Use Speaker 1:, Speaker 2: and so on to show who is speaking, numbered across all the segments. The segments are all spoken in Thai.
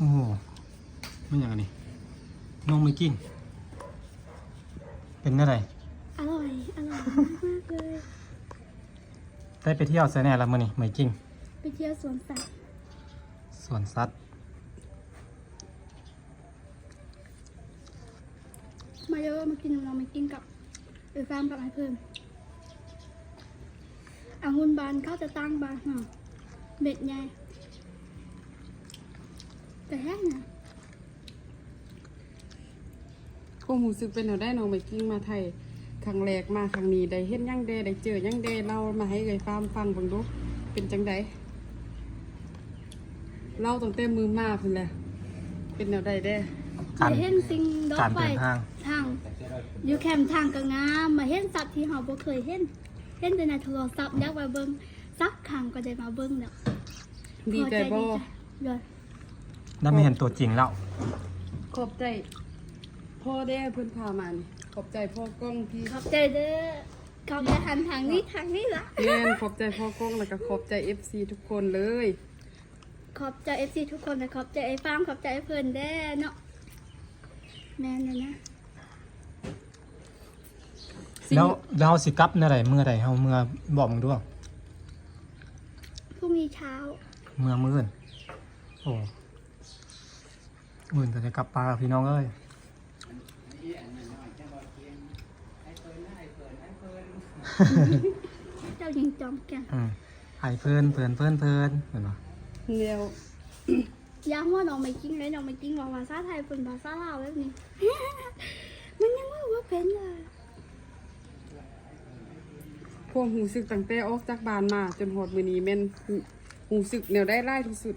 Speaker 1: อ้โหไม่อย่างนี้น้องไม่กินเป็นอะไร
Speaker 2: อร่อยมากเลย
Speaker 1: ได้ไปเที่ยวไซแน่แล้วมื้อนี้ไม่กิน
Speaker 2: ไปเที่ยวสวนสัตว์
Speaker 1: สวนสัตว์
Speaker 2: มาเยอะมากินเรามากินกับฟาร์มกับไอ้เพิ่มองุ่นบานเขาจะตั้งบานหน่อเบ็ดใหญ่แต่แห้งนะ
Speaker 3: ความรู้สึกเป็นเอาได้น้องไปกิ้งมาไทยครั้งแรกมาครั้งนี้ได้เห็นยังเดได้เจอยังเดเล่ามาให้เลยฟังเบิ่งดูเป็นจังไดเล่าตั้งแต่มือมาพุ่นแหละเป็นแนวใดเด้
Speaker 2: มาเห็นสิ่งดอกไม้ทางอยู่แคมป์ทางก็งามมาเห็นสัตว์ที่เราบ่เคยเห็นแต่ในโทรศัพท์อยากมาเบิ่งสักครั้งก็ได้มาเบิ่งเนาะ
Speaker 3: ดีใจบ่
Speaker 2: เลย
Speaker 1: ได้ไม่เห็นตัวจริงแล้ว
Speaker 3: ขอบใจพ่อได้เพิ่นพามานี่ขอบใจพ่อกล้องที่
Speaker 2: ขอบใจเด้อเขาจะหันทางนี้ละ
Speaker 3: แม่นขอบใจพ่อกล้องแล้วก็ขอบใจ FC ทุกคนเลย
Speaker 2: ขอบใจ FC ทุกคนนะขอบใจไอ้ฟาร์มขอบใจไอ้เพิ่นแด้เนาะแม่นเลยนะ
Speaker 1: แล้วเราสิกลับเมื่อไหร่เฮาเมื่อบอกมึงด้วย
Speaker 2: พรุ่งนี้เช้า
Speaker 1: มื้อโอ้มื้อจะกลับปลาพี่น้องเอ้ย
Speaker 2: เจ้ายิงจอมแกน
Speaker 1: ไอ้เพิ่นเห็นบ่
Speaker 3: เดียว
Speaker 2: ย้ำว่าน้องไม่กินเลยน้องไม่กินว่าภาษาไทยเป็นภาษาลาวแบบนี้ มันยังว่าเป็นเลย
Speaker 3: พวกหูสึกตั้งแต่ออกจากบ้านมาจนหอดมื้อนี้แม่นหูสึกแนวได้ร้ายที่สุด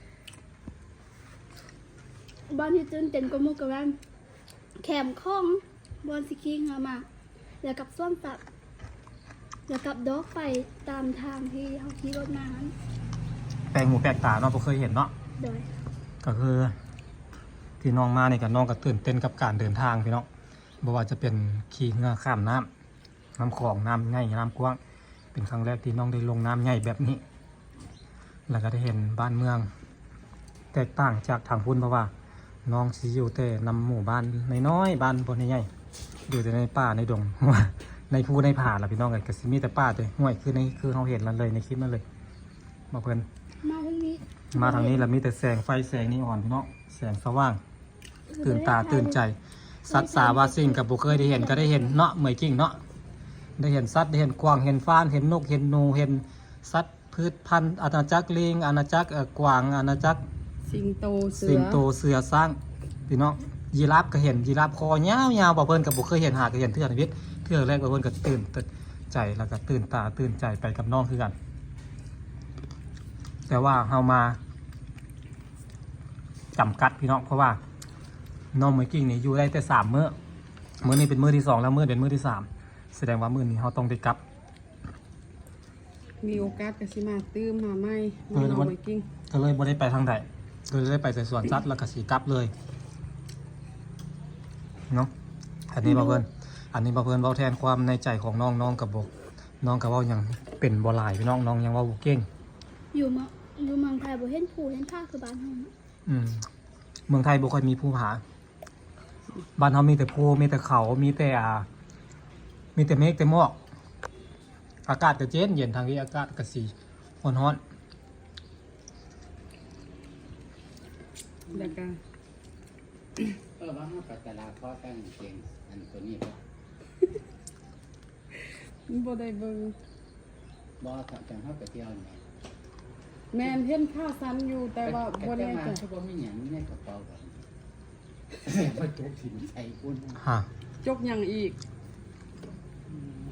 Speaker 2: บ้านที่ตื่นเต้นกว่าหมู่กับบ้านแคมป์ของบอนสิคิงมาแล้วกับส้วมสัตว์แล้วกับดอกไฟตามทางที่เขาขี่รถมานั้น
Speaker 1: แปลงหูแปลกตาเนาะบ่เคยเห็นเนาะ
Speaker 2: โดย
Speaker 1: ก็คือที่น้องมานี่ก็น้องก็ตื่นเต้นกับการเดินทางพี่น้องบ่ว่าจะเป็นขี่เรือข้ามน้ำคลองน้ำใหญ่น้ำกว้างเป็นครั้งแรกที่น้องได้ลงน้ำใหญ่แบบนี้แล้วก็ได้เห็นบ้านเมืองแตกต่างจากทางพุ่นเพราะว่าน้องสิอยู่แต่นำหมู่บ้านน้อยๆบ้านบนใหญ่ๆอยู่แต่ในป่าในดง ในภูในผาล่ะพี่น้องก็สิมีแต่ป่าแต่ห้วยคือเฮาเห็นนั่นเลยในคลิปนั่นเลยบ่เพิ่นมาทางนี้แล้วมีแต่แสงไฟแสงนีออนพี่น้องแสงสว่างตื่นตาตื่นใจสัตว์สาวาสิ่งกับบุเคยได้เห็นก็ได้เห็นเนาะเหมยกิ่งเนาะได้เห็นสัตว์ได้เห็นกวางเห็นฟ้านเห็นนกเห็นหนูเห็นสัตว์พืชพันธุ์อาณาจักรลิงอาณาจักรกวางอาณาจักร
Speaker 3: สิงโตเ
Speaker 1: สือสร้างพี่น้องยีราฟก็เห็นยีราฟคอยาวๆบ่เพิ่นกับบุเคยเห็นหาก็เห็นเทื่อชีวิตเทื่อแรกบ่เพิ่นก็ตื่นใจแล้วก็ตื่นตาตื่นใจไปกับน้องคือกันแต่ว่าเฮามาจำกัดพี่น้องเพราะว่าน้องเหมยกิ่งนี่อยู่ได้แต่3 มื้อนี้เป็นมื้อที่2แล้วมื้อเป็นมื้อที่3แสดงว่ามื้อนี้เฮาต้องได้กลับ
Speaker 3: มีโอกาสก็สิมาตื้มมาใหม่น้องเหมยกิ่ง
Speaker 1: ก็เลยบ่ได้ไปทางใดก็เลยได้ไปแต่สวนสัตว์แล้วก็สิกลับเลยเนาะอันนี้บ่เพิ่นเว้าแทนความในใจของน้องกับบ่น้องก็เว้ายังเป็นบ่หลายพี่น้องยังเว้าบ่เก่ง
Speaker 2: อยู่เมืองไทยบ่เห็นภูเห็นผาคือบ้านเฮา
Speaker 1: เมืองไทยบ่ค่อยมีภูผาบ้านเฮามีแต่ภูมีแต่เขามีแต่เมฆแต่หมอกอากาศก็เย็นทางนี้อากาศก็สิร้อน
Speaker 3: แล้วก็
Speaker 4: ว่าเฮาไปตลาดข้อตั้งเก่งอันตัวนี้
Speaker 3: บ่ได้เบิ่ง
Speaker 4: บ่จังเฮาไปเที่ยวนี่
Speaker 3: แม่นเห็นข้าวซันอยู่แต่ว่าบ่แน่ใจ
Speaker 4: บ่มีหยังในกระเป๋ากันบ่จกถิ่นใส่พุ่น
Speaker 1: ฮะ
Speaker 3: จกหยังอีก